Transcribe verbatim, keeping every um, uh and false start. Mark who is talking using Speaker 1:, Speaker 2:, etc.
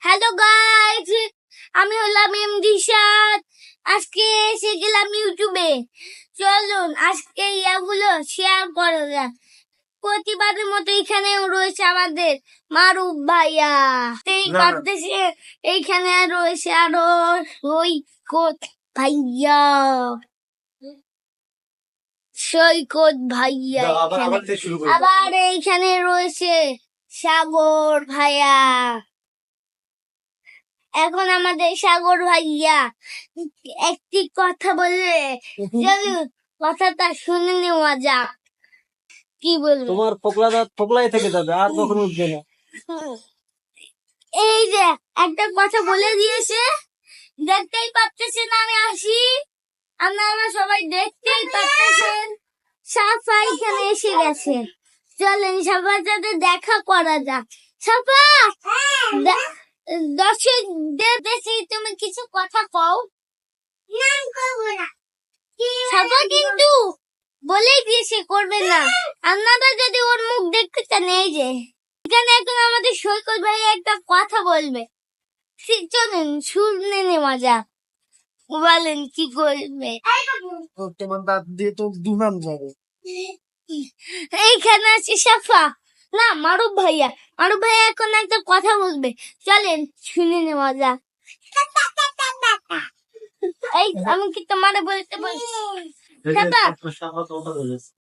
Speaker 1: Hello guys, আমি হলাম MD সাদ। আজকে এসে গেলাম ইউটিউবে। চলুন আজকে ইয়াগুলো শেয়ার করা যাক। প্রতিবারের মতো এখানে রয়েছে আমাদের মারুফ ভাইয়া। এই বাংলাদেশে এইখানে রয়েছে আরো সৈকত ভাইয়া, সৈকত ভাইয়া। আবার এইখানে রয়েছে সাগর ভাইয়া। এখন আমাদের সাগর ভাইয়া একটি কথা বললে, চলুন কথাটা শুনে নেওয়া যাক। কি বলবো,
Speaker 2: তোমার ফোকলা দাঁত ফোকলাই থেকে যাবে, আর কখনো উঠবে না।
Speaker 1: এই যে একটা কথা বলে দিয়েছে, দেখতেই পাচ্ছেন আমি আসি, আপনারা সবাই দেখতেই পাচ্ছেন। সাফা এখানে এসে গেছে। চলেন সবার সাথে দেখা করা যাক। সাফা, দর্শকদের বেশি তুমি কিছু কথা কও। সাফা কিন্তু বলেই দিয়েছে করবে না। আপনারা যদি ওর মুখ দেখতে চান, এই যে এখানে এখন আমাদের সৈকত ভাই একটা কথা বলবে, চলেন শুনে নেওয়া যাক। বলেন কি করবে।
Speaker 2: তোমার দাঁত দিয়ে তো দুনাম যাবে।
Speaker 1: এইখানে আছে সাফা, না মারুফ ভাইয়া। মারুফ ভাইয়া এখন একটা কথা বলবে, চলেন শুনে নেওয়া যাক। এই আমি কি তোমারে বলতে বলছি? সাফা,